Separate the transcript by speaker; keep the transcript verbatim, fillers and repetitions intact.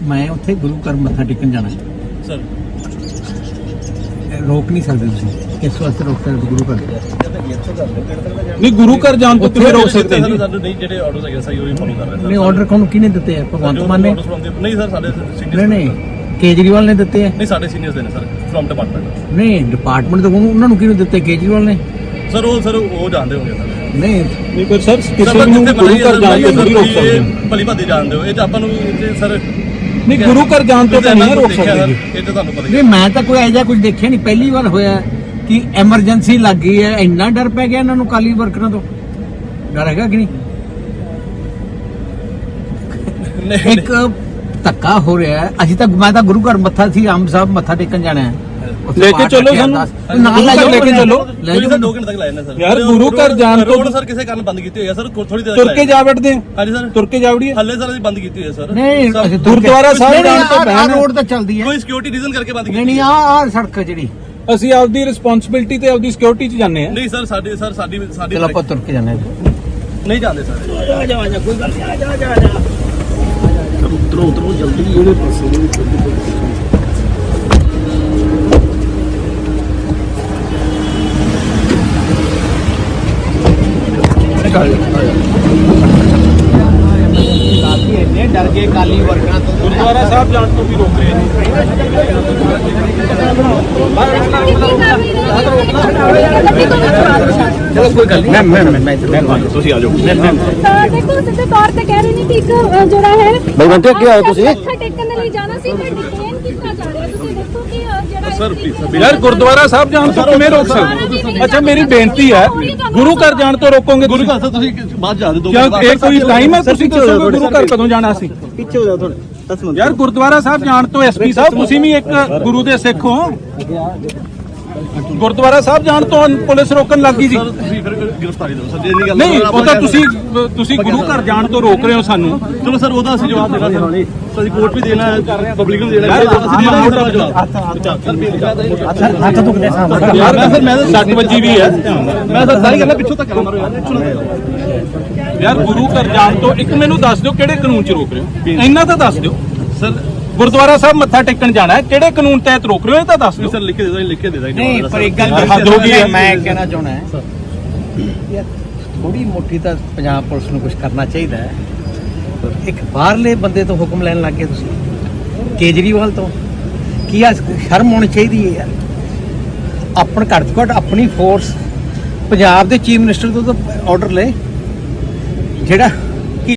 Speaker 1: मैं उत्थे गुरु घर मत्था टेकन जाना
Speaker 2: सर
Speaker 1: रोक नहीं सकते तुसीं किस वास्ते रोक सकते गुरु घर
Speaker 3: नहीं गुरु घर जान तो किवें रोक सकते हैं जी
Speaker 2: ਸਾਨੂੰ ਨਹੀਂ ਜਿਹੜੇ ਆਰਡਰਸ ਹੈਗੇ ਸਹੀ ਉਹੀ ਫੋਲੋ ਕਰ ਰਹੇ
Speaker 1: नहीं ऑर्डर कौन किने दिते हैं भगवंत मान ने
Speaker 2: ਨਹੀਂ ਸਰ ਸਾਡੇ
Speaker 1: नहीं
Speaker 2: ਸੀਨੀਅਰ
Speaker 1: नहीं केजरीवाल ने दिते हैं
Speaker 2: ਨਹੀਂ ਸਾਡੇ ਸੀਨੀਅਰਸ ਦੇ ਨੇ ਸਰ ਫਰਮ ਡਿਪਾਰਟਮੈਂਟ
Speaker 1: नहीं डिपार्टमेंट तो उन्होंने किने दिते केजरीवाल ने
Speaker 2: ਸਰ ਉਹ ਸਰ ਉਹ ਜਾਣਦੇ ਹੋਗੇ ਸਰ
Speaker 1: नहीं
Speaker 3: नहीं पर सर किसी ਨੂੰ गुरु घर जान तो नहीं रोक सकते
Speaker 2: ਭਲੀ ਭਾਦੀ ਜਾਣਦੇ ਹੋ ਇਹ ਤਾਂ ਆਪਾਂ ਨੂੰ ਸਰ
Speaker 3: नहीं गुरु घर जान तो नहीं रोक सकते जी
Speaker 2: ਇਹ ਤਾਂ ਤੁਹਾਨੂੰ ਪਤਾ ਹੀ
Speaker 1: नहीं मैं तो कोई ऐसा कुछ देखा नहीं पहली बार होया कि एमरजेंसी लग गई है इन्ना डर पै गया इन्होंने काली वर्करां तो डर हैगा कि नहीं एक धक्का हो रहा है अभी तक मैं तो गुरु घर मत्था सी आम साहब मत्था टेकन जाना है
Speaker 3: लेके चलो सानू लेके चलो
Speaker 2: ਕੋਈ ਸਰ ਦੋ ਘੰਟੇ ਤੱਕ ਲਾਇਆ ਨੇ ਸਰ
Speaker 3: यार गुरु घर जान तो
Speaker 2: ਰੋਡ ਸਰ ਕਿਸੇ ਕਾਰਨ ਬੰਦ ਕੀਤੀ ਹੋਈ ਹੈ ਸਰ ਥੋੜੀ ਦੇਰ
Speaker 3: तुर के जा बैठते हैं
Speaker 2: ਹਾਂਜੀ ਸਰ
Speaker 3: तुर के जा वड़िए
Speaker 2: ਹੱਲੇ ਸਰ ਅਸੀਂ ਬੰਦ ਕੀਤੀ ਹੋਈ ਹੈ ਸਰ
Speaker 1: नहीं
Speaker 3: गुरुद्वारा साहब जान तो
Speaker 1: आ रोड तो चलदी है
Speaker 2: ਕੋਈ ਸਿਕਿਉਰਿਟੀ ਰੀਜ਼ਨ ਕਰਕੇ ਬੰਦ
Speaker 1: नहीं
Speaker 2: ਕੀਤੀ
Speaker 1: नहीं आ आ सड़क ਜਿਹੜੀ
Speaker 3: ਅਸੀਂ ਆਪਦੀ ਰਿਸਪੌਂਸਿਬਿਲਟੀ ਤੇ ਆਪਦੀ ਸਿਕਿਉਰਿਟੀ 'ਚ ਜਾਂਦੇ ਆ
Speaker 2: ਨਹੀਂ ਸਰ ਸਾਡੇ ਸਰ ਸਾਡੀ ਸਾਡੀ
Speaker 1: ਚਲੋ ਆਪਾਂ ਤੁਰ ਕੇ ਜਾਣਾ
Speaker 2: ਨਹੀਂ ਜਾਂਦੇ ਸਰ
Speaker 1: ਆ ਜਾ ਆ ਜਾ ਕੋਈ ਗੱਲ ਨਹੀਂ ਆ ਜਾ ਆ ਜਾ
Speaker 2: ਉਤਰੋ ਉਤਰੋ ਜਲਦੀ ਜਿਹੜੇ ਪਾਸੇ
Speaker 1: डर गए काली वर्करां तो
Speaker 3: ਗੁਰਦੁਆਰਾ ਸਾਹਿਬ ਜਾਣ ਤੋਂ ਵੀ ਰੋਕ ਰਹੇ ਨੇ
Speaker 1: चलो कोई गल नहीं मैं मैं मैं
Speaker 3: ਤੁਸੀਂ ਆ ਜਾਓ
Speaker 4: ਦੇਖੋ ਸਿੱਧੇ ਤੌਰ ਤੇ ਕਹਿ ਰਹੇ ਨੇ ਕਿ ਇੱਕ ਅ, ਜਿਹੜਾ ਹੈ
Speaker 1: ਬਲਵੰਤ ਕੀ ਆਏ ਤੁਸੀਂ
Speaker 4: ਮੱਥਾ ਟੇਕਣ ਦੇ ਲਈ ਜਾਣਾ ਸੀ ਪਰ ਡਿਟੇਨ ਕੀਤਾ ਜਾ ਰਿਹਾ ਤੁਸੀਂ ਦੇਖੋ ਕਿ ਅ, ਜਿਹੜਾ
Speaker 2: ਸਰ ਪਲੀਜ਼
Speaker 3: ਯਾਰ ਗੁਰਦੁਆਰਾ ਸਾਹਿਬ ਜਾਣ ਤੋਂ ਕਿਵੇਂ ਰੋਕ ਸਕਦੇ ਹੋ? ਅੱਛਾ ਮੇਰੀ ਬੇਨਤੀ ਹੈ ਗੁਰੂ ਘਰ ਜਾਣ ਤੋਂ ਰੋਕੋਗੇ
Speaker 2: ਗੁਰੂ ਘਰ ਤੁਸੀਂ ਬਾਅਦ ਜਾ ਦੇ ਦੋ
Speaker 3: ਕਿਉਂ ਇਹ ਕੋਈ ਟਾਈਮ ਹੈ ਤੁਸੀਂ ਦੱਸੋਗੇ ਗੁਰੂ ਘਰ ਕਦੋਂ ਜਾਣਾ ਸੀ
Speaker 2: ਪਿੱਛੇ ਹੋ ਜਾ ਥੋੜੇ ਦਸ ਮਿੰਟ
Speaker 3: ਯਾਰ ਗੁਰਦੁਆਰਾ ਸਾਹਿਬ ਜਾਣ ਤੋਂ ਐਸਪੀ ਸਾਹਿਬ ਤੁਸੀਂ ਵੀ ਇੱਕ ਗੁਰੂ ਦੇ ਸਿੱਖ ਹੋ ਗੁਰਦੁਆਰਾ ਸਾਹਿਬ ਜਾਣ ਤੋਂ ਪੁਲਿਸ ਰੋਕਣ ਲੱਗੀ ਸੀ
Speaker 2: ਸਰ ਤੁਸੀਂ ਫਿਰ ਗ੍ਰਿਫਤਾਰੀ ਦਿਓ ਸਰ ਜੇ ਨਹੀਂ ਗੱਲ
Speaker 3: ਨਹੀਂ ਉਹ ਤਾਂ ਤੁਸੀਂ ਤੁਸੀਂ ਗੁਰੂ ਘਰ ਜਾਣ ਤੋਂ ਰੋਕ ਰਹੇ ਹੋ ਸਾਨੂੰ
Speaker 2: ਚਲੋ ਸਰ ਉਹਦਾ ਅਸੀਂ ਜਵਾਬ ਦੇਣਾ ਸਰ ਅਸੀਂ ਕੋਰਟ ਵੀ ਦੇਣਾ ਹੈ ਪਬਲਿਕ ਨੂੰ ਦੇਣਾ ਹੈ ਅਸੀਂ ਦੇਣਾ ਮੋਟਾ ਜਵਾਬ
Speaker 1: ਹੱਥ ਦੁਖਦੇ ਸਾਹਮਣੇ
Speaker 3: ਯਾਰ ਮੈਂ ਫਿਰ ਮੈਂ ਤਾਂ ਸੱਟ ਵੱਜੀ ਵੀ ਹੈ
Speaker 2: ਮੈਂ ਤਾਂ ਸਾਰੀ ਗੱਲਾਂ ਪਿੱਛੋਂ ਤੱਕ ਮਾਰੋ ਯਾਰ
Speaker 3: ਯਾਰ ਗੁਰੂ ਘਰ ਜਾਣ ਤੋਂ ਇੱਕ ਮੈਨੂੰ ਦੱਸ ਦਿਓ ਕਿਹੜੇ ਕਾਨੂੰਨ 'ਚ ਰੋਕ ਰਹੇ ਹੋ ਇੰਨਾ ਤਾਂ ਦੱਸ ਦਿਓ
Speaker 2: ਸਰ
Speaker 3: ਗੁਰਦੁਆਰਾ ਸਾਹਿਬ ਮੱਥਾ ਟੇਕਣ ਜਾਣਾ ਹੈ ਕਿਹੜੇ ਕਾਨੂੰਨ ਤਹਿਤ ਰੋਕ ਰਹੇ ਹੋ ਇਹ ਤਾਂ ਦੱਸ ਦਿਓ
Speaker 2: ਸਰ ਲਿਖ ਕੇ ਦੇ ਦੋ ਲਿਖ ਕੇ ਦੇ ਦਾਂਗੇ
Speaker 1: नहीं पर एक गल
Speaker 3: हद हो गई है।
Speaker 1: मैं कहना चाहना है यार थोड़ी मोटी तो पंजाब पुलिस ਨੂੰ ਕੁਝ ਕਰਨਾ ਚਾਹੀਦਾ ਹੈ ਇੱਕ ਬਾਹਰਲੇ ਬੰਦੇ ਤੋਂ ਹੁਕਮ ਲੈਣ ਲੱਗ ਗਏ ਤੁਸੀਂ ਕੇਜਰੀਵਾਲ ਤੋਂ ਕੀ ਆ ਸ਼ਰਮ ਹੋਣੀ ਚਾਹੀਦੀ ਹੈ ਯਾਰ ਆਪਣ ਘੱਟ ਤੋਂ ਘੱਟ ਆਪਣੀ ਫੋਰਸ ਪੰਜਾਬ ਦੇ ਚੀਫ ਮਿਨਿਸਟਰ ਤੋਂ ਤਾਂ ਆਰਡਰ ਲੈ ਜਿਹੜਾ